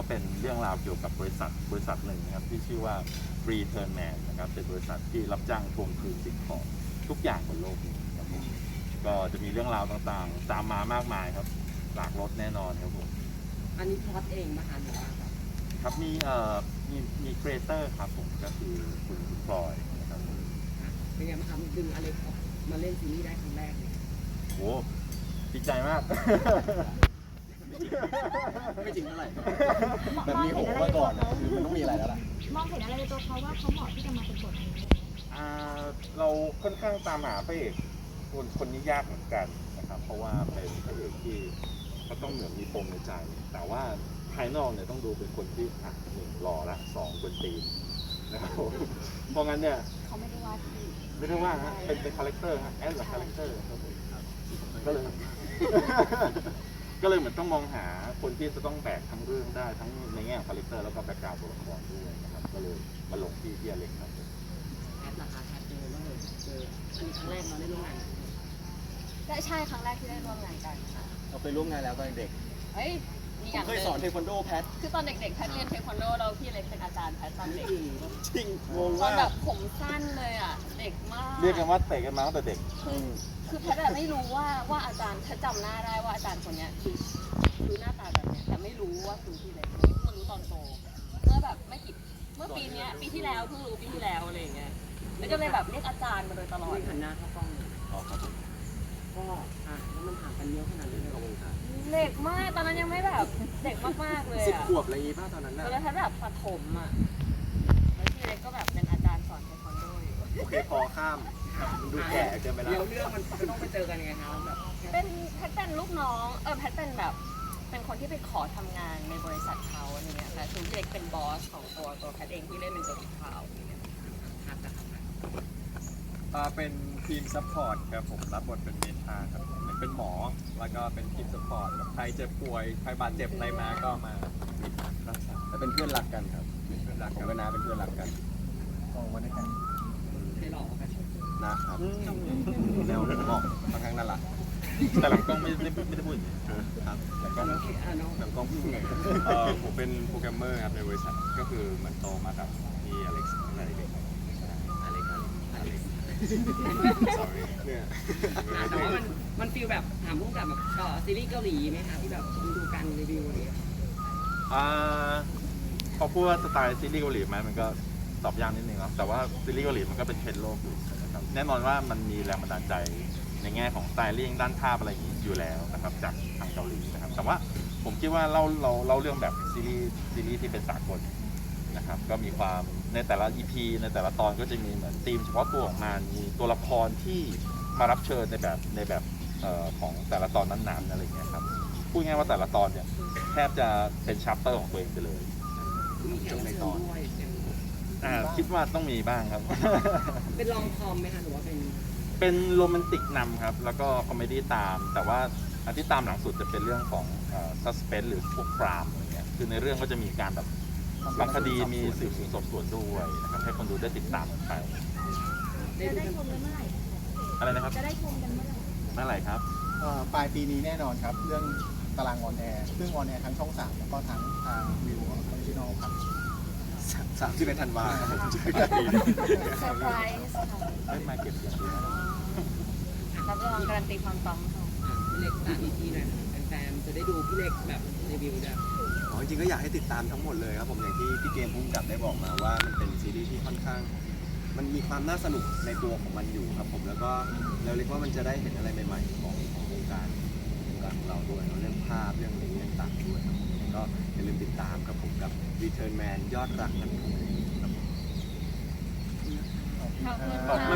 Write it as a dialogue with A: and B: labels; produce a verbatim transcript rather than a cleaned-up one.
A: เป็นเรื่องราวเกี่ยวกับบริษัทบริษัทหนึ่งนะครับที่ชื่อว่า Return Man นะครับเป็นบริษัทที่รับจ้างทวงคืนสิ่งของทุกอย่างบนโลกนี้ครับผมก็จะมีเรื่องราวต่างๆตามมามากมายครับหลากรสแน่นอนครับผม
B: อันนี้พล็อตเองมาหาหรือว่าแบบ
A: ครับมีเอ่อมีมีครีเอเตอร์ครับผมก็คือคุณพลอยนะครับผม
B: เป็นไงบ้างครับดึงอะไรมาเล่นซีรีส์ได้ครั้งแรกเลย
A: โอ้ดีใจมาก
C: ไม่จริงเท่าไหร่แบบมีโหมาก่อนนะคือมันต้องมีอะไรแล้วล่ะ
D: มองเห็นอะไรในตัวเขาว่าเขาเหมาะที่จะมาเป็นบทนี้
A: อ่าเราค่อนข้างตามหาพระเอกคนคนนี้ยากเหมือนกันนะครับเพราะว่าเป็นพระเอกที่เขาต้องเหมือนมีปมในใจ แต่ว่าภายนอกเนี่ยต้องดูเป็นคนที่อ่ะหนึ่งหล่อละสองคนตีนนะครับผมเพราะงั้นเนี่ย
D: เขาไม่ได้ว่าที่
A: ไม่ได้ว่าฮะเป็นเป็นคาแรคเตอร์ฮะแอดหรือคาแรคเตอร์ครับผมก็เลย ก็เลยเหมือนต้องมองหาคนที่จะต้องแบกทั้งเรื่องได้ทั้งในแง่คาแรคเตอร์แล้วก็แบ็คกราวด์ตัวละครด้วยนะครับก็เลยมาลงที่ที่อเล็กครับผม
B: แอดราคาแอดเจอว่าเลยเจออันนี้ครั้งแรกเราได้ร่วมงานกัน
D: ได้ใช่ครั้งแรกที่ได้ร่วมงานกันค่ะ
C: เราไปร่วมงานแล้วตอนเด็ก
D: เฮ้ยมี
C: ผ
D: อย่าม ง
C: เค
D: ห
C: ย
D: นึ่ง
C: สอนเทควันโดแพท
D: คือตอนเด็กๆแพทเรียนเทควันโดเราพี่เล็กเป็นอาจารย์แพทตอนเด็ก
C: จริงงง
D: ตอน
C: ว่า
D: แบบผมสั้นเลยอ่ะเด็กมาก
A: เรียกกันว่าเตะกันมาตั้งแต่เด็ก
D: คือคือแพทอะไม่รู้ว่าว่าอาจารย์แพทจำหน้าได้ว่าอาจารย์คนเนี้ยคือคือหน้าตาแบบเนี้ยแต่ไม่รู้ว่าคือพี่เล็กเพิ่งมารู้ตอนโตเมื่อแบบไม่กี่เมื่อปีเนี้ยปีที่แล้วเพิ่งรู้ปีที่แล้วอะไรอย่างเงี้ยแล้วก็เลยแบบเรียกอาจารย์มาโดยตลอด
B: ไม่หันหน้าเข้ากล้อง
C: อ๋อครับผม
B: ก็อ่ะแล้วมันห่างกันเยอะขนาดนี้เลย
C: ขอบคุณครับ
D: เด็กมากตอนนั้นยังไม่แบบเด็กมากๆเลย
C: สิบ
D: อ่ะ
C: ขวบอะไรอย่างงี้ป่ะตอนนั้น
D: ต
C: น่ะ
D: อนนั้นถ้าแบบประถมอ่ะแล้วพี่เล็กก็แบบเป็นอาจารย์สอนเทควันโดอยู่
C: โอเคพอข้ามมันดูแก่เกินไปแล้
B: เดี๋ยว
C: ว
B: เรื่องมันจะต้องไปเจอกันยังไงครับแบบ
D: เป็นแพทเป็นลูกน้องเออแพทเป็นแบบเป็นคนที่ไปขอทำงานในบริษัทเขาอะไรเงี้ยค่ะคือพี่เล็กเป็นบอสของตัวตัวแพทเองที่เล่นเป็นตัวขาวอย่างเงี้ย
B: พักนะครับ
E: อ่าเป็นทีมซัพพอร์ตครับผมรับบทเป็นเมธาครับเหมือนเป็นหมอแล้วก็เป็นทีมซัพพอร์ตแบบใครเจ็บป่วยใครบาดเจ็บอะไรมาก็มารักษา
C: แต่เป็นเพื่อนรักกันครับ
E: เป็นเพื่อนรัก
C: ผม
E: กัน
C: กับน้าเป็นเพื่อนรักกัน
E: มองมาด้วยกัน
B: ใครหลอกกัน
C: นะครับแนวเหมาะค่อนข้างน่ารัก
A: แต่หลังกล้องไม่ได้ไม่ได้พูดอย่างนี้
C: ครับแต่ก็
B: ก็โอเคอ่ะน้อง
C: แบบกล้องพูดไง
E: เอ่อผมเป็นโปรแกรมเมอร์ครับในบริษัทก็คือเหมันโตมากับพี่อเล็กซ์ตั้งแต่เด็ก
C: อะไรกันอะไร
E: sorry เนี่ย
B: อ่ะแต่ว่ามันมันฟีลแบบถามพุ่งกับแบบเอ่อซีรีส์เกาหลีไหมคะที่แบบดูการรีวิวอะไรอย่างเงี้ย
A: อ่าพอพูดว่าสไตล์ซีรีส์เกาหลีไหมมันก็ตอบยากนิดนึงครับแต่ว่าซีรีส์เกาหลีมันก็เป็นเทรนด์โลกอยู่นะครับแน่นอนว่ามันมีแรงบันดาลใจในแง่ของสไตลิ่งด้านภาพอะไรอย่างนี้อยู่แล้วนะครับจากทางเกาหลีนะครับแต่ว่าผมคิดว่าเราเราเราเรื่องแบบซีรีส์ซีรีส์ที่เป็นสากลนะครับก็มีความในแต่ละ อี พี ในแต่ละตอนก็จะมีเหมือนธีมเฉพาะตัวของมันมีตัวละครที่มารับเชิญในแบบในแบบเอ่อของแต่ละตอนนั้นๆอะไรอย่างเงี้ยครับพูดง่ายว่าแต่ละตอนเนี่ยแทบจะเป็นชัปเตอร์ของตัวเองไปเลย
B: มีแขกรับเชิญด้วยเป็น
A: อ่าคิดว่าต้องมีบ้างครับ
B: เป็นลองคอมไหมคะหรือว่าเป็น
A: เป็นโรแมนติกนำครับ แล้วก็คอมเมดี้ตาม แต่ว่าอันที่ตามหลังสุดจะเป็นเรื่องของซัสเพนหรือพวกครามอะไรเงี้ยคือในเรื่องก็จะมีการแบบบางคดีมีสืบสวนสอบสวนด้วยนะครับให้คนดูได้ติดตามกันไป
B: ได้
D: จะ
B: ดู
D: ได้
B: กัน
D: ชมกันเมื่อไหร่
A: อะไรนะครับ
D: จะได้ชมกันเมื่อไหร่
A: เมื่อไหร่ครับ
F: เอ่อปลายปีนี้แน่นอนครับ เรื่องตารางออนแอร์ซึ่งออนแอร์ทั้งช่องสามแล้วก็ทั้งทางวิวออริจินอลครับ
C: สามสิบเอ็ดธันวาครับผมเจอ
D: เซ
C: กันปีนี้
D: อร์ไพรส์ค่ะ
A: เอ้ยมาเก็บเสียงด้วยนะ
D: รับรองการันตีความปังค่ะ
B: อ่ะพี่เล็กสามอีพีหน่อยแฟนๆจะได้ดูพี่เล็กแบบรีวิวด้วย
C: อ๋อจริงๆก็อยากให้ติดตามทั้งหมดเลยครับผมอย่างที่พี่เกมพุ่งกับได้บอกมาว่ามันเป็นซีรีส์ที่ค่อนข้าง มันมีความน่าสนุกในตัวของมันอยู่ครับผมแล้วก็เราเรียกว่ามันจะได้เห็นอะไรใหม่ๆของของวงการวงการของเราด้วยเนอะเรื่องภาพเรื่องอะไรเรื่องต่างๆด้วยครับผมก็อย่าลืมติดตามครับผมกับ Return Man ยอดรักนันทงครับผม
D: ขอบคุณ
A: ขอบ